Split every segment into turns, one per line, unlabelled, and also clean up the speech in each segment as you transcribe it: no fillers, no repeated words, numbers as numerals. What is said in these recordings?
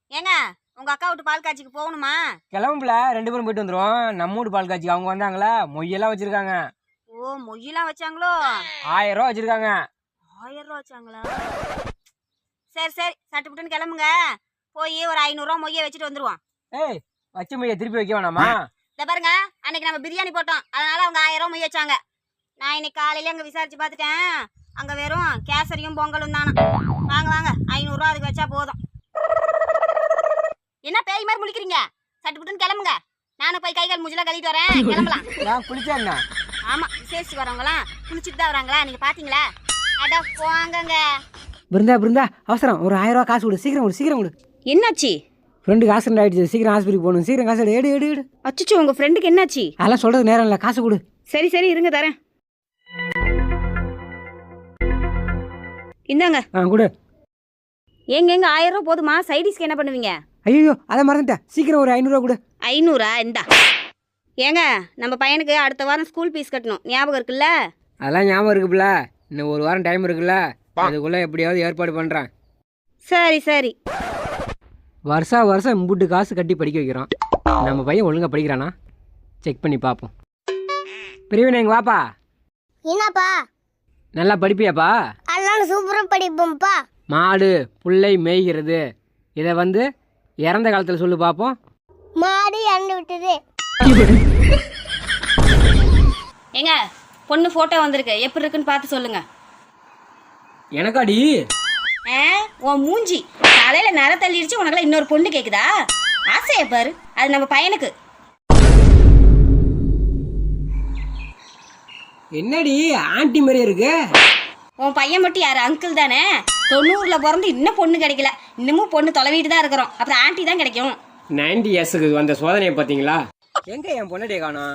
ஏங்க உங்க அக்கா வீட்டு பால் காட்சிக்கு போகணுமா?
கிளம்புல 2 பேரும் போயிட்டு வந்துருவோம். நம்ம வீட்டு பால் காட்சிக்கு அவங்க வந்தாங்களா, மொய்யெல்லாம் வச்சிருக்காங்க.
ஓ மொய்யெல்லாம் வச்சாங்களோ?
1000 ரூபா வச்சிருக்காங்க.
1000 ரூபா வச்சாங்களா? சரி சரி சட்டுப்புட்டுன்னு கிளம்புங்க. போய் ஒரு 500 ரூபா மொய்யை வச்சுட்டு வந்துருவோம்.
ஏய், வச்ச மொய்யை திருப்பி வைக்க வேணாமா?
இத பாருங்க, அன்னைக்கு நம்ம பிரியாணி போட்டோம், அதனால அவங்க 1000 ரூபா மொய் வச்சாங்க. நான் இன்னைக்கு காலையில அங்க விசாரிச்சு பார்த்துட்டேன், அங்க வெறும் கேசரியும் பொங்கலும் தானா. வாங்க வாங்க, 500 ரூபா அதுக்கு வச்சா போதும். என்ன பேய் மாதிரி முழிக்கிறீங்க? சட்டுப்புட்டுன்னு கிளம்புங்க. நானும் போய் கை கால் மூஞ்சிலாம் கழுவிட்டு வரேன். கிளம்பலாம்.
நான் குளிச்சேன்னா?
ஆமா, விசேஷத்துக்கு வரவங்களாம் குளிச்சுட்டு தான் வராங்களா? நீங்க பாத்தீங்களா? அட போங்கங்க.
பிருந்தா அவசரம், ஒரு 1000 ரூபா காசு கொடு, சீக்கிரம் கொடு.
என்னாச்சு?
ஃப்ரெண்டுக்கு ஆக்சிடென்ட் ஆயிடுச்சு, சீக்கிரம் ஹாஸ்பிட்டல் போகணும், சீக்கிரம் காசு எடு.
அச்சச்சோ, உங்க ஃப்ரெண்டுக்கு என்னாச்சு?
அதெல்லாம் சொல்றது நேரம் இல்லை, காசு கொடு.
சரி இருங்க தரேன். இந்தாங்க.
கொடு.
எங்க 1000 ரூபா போதுமா? சைடிஸ்க்கு என்ன பண்ணுவீங்க?
ஐயோ, அதை மறந்துட்டேன், சீக்கிரம் ஒரு 500 ரூபா கொடு.
500? இந்தா. ஏங்க நம்ம பையனுக்கு அடுத்த வாரம் ஸ்கூல் ஃபீஸ் கட்டணும், ஞாபகம் இருக்குல்ல?
அதெல்லாம் ஞாபகம் இருக்குல்ல, இன்னும் ஒரு வாரம் டைம் இருக்குல்ல, அதுக்குள்ள எப்படியாவது ஏற்பாடு பண்றேன்.
சரி.
வருஷம் இம்புட்டு காசு கட்டி படிக்க வைக்கிறோம், நம்ம பையன் ஒழுங்கா படிக்கிறானா செக் பண்ணி பார்ப்போம். பிரிவினை எங்க வாப்பா.
என்னப்பா?
நல்லா படிப்பியாப்பா?
அதெல்லாம் சூப்பரா படிப்போம்ப்பா.
மாடு புல்லை மேய்கிறது, இதை வந்து இறந்த காலத்தில் சொல்லு பார்ப்போம்.
மாடு இறந்து விட்டது.
ஏங்க பொண்ணு போட்டோ வந்திருக்கு, எப்படி இருக்குன்னு பார்த்து சொல்லுங்க.
எனக்காடி?
உன் மூஞ்சி தலையில நர தள்ளிடுச்சு, உனக்குலாம் இன்னொரு பொண்ணு கேக்குதா? ஆசைய பாரு, அது நம்ம பையனுக்கு.
என்னடி ஆன்ட்டி மாதிரி இருக்கு?
உன் பையன் மட்டும் யாரு? அங்கிள் தானே. 90ல பிறந்து இன்னும் பொண்ணு கிடைக்கல, இன்னமும் பொண்ணு தொலைவிட்டு தான் இருக்கிறோம், அப்புறம் ஆன்ட்டி தான் கிடைக்கும்.
90 இயர்ஸுக்கு வந்த சோதனையை பார்த்தீங்களா?
எங்க என் பொண்ணடியை காணோம்?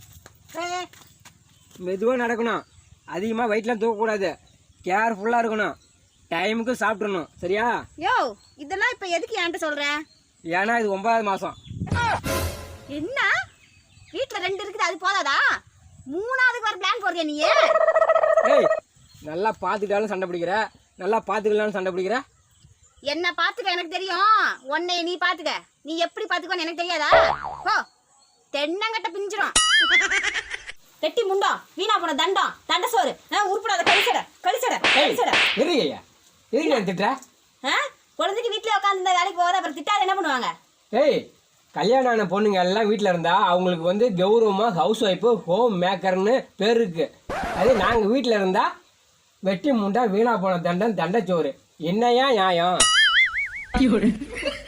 மெதுவாக நடக்கணும், அதிகமாக வெயிட்லாம் தூக்கக்கூடாது, கேர்ஃபுல்லாக இருக்கணும், டைமுக்கு சாப்பிட்றணும், சரியா?
யோ, இதெல்லாம் இப்ப எதுக்கு என்கிட்ட சொல்ற?
ஏன்னா இது 9வது மாதம்.
என்ன வீட்டுல 2 இருக்குது, அது போதாதா? 3ஆவதுக்கு வர பிளான் போடுறியா நீ?
ஏய், நல்லா பார்த்துக்கிட்டாலும் சண்டை பிடிக்கிற, நல்லா பார்த்துக்கலாலும் சண்டை பிடிக்கிற.
என்ன பாத்துக்க எனக்கு தெரியும், உன்னை நீ பாத்துக்க. நீ எப்படி பாத்துக்கன்னு எனக்கு தெரியாதா? ஓ, தென்னங்கட்ட பிஞ்சிரும். கெட்டி முண்டம், வீணா போன தண்டம், தண்ட சோறு, உருப்படாத கழிச்சட.
எதுங்கய்யா, எதுக்கு நான் திட்டுற?
குழந்தைக்கு வீட்டுல உட்காந்து இந்த வேலைக்கு போகாத, அப்புறம் திட்டாத என்ன பண்ணுவாங்க?
ஏய், கல்யாணம் ஆன பொண்ணுங்க எல்லாம் வீட்டில் இருந்தா அவங்களுக்கு வந்து கௌரவமாக ஹவுஸ் ஒய்ஃபு ஹோம் மேக்கர்னு பேர் இருக்கு. அதே நாங்கள் வீட்டில் இருந்தா வெட்டி முண்டா வீணா போன தண்டம் தண்டச்சோறு. என்னையா நியாயம்?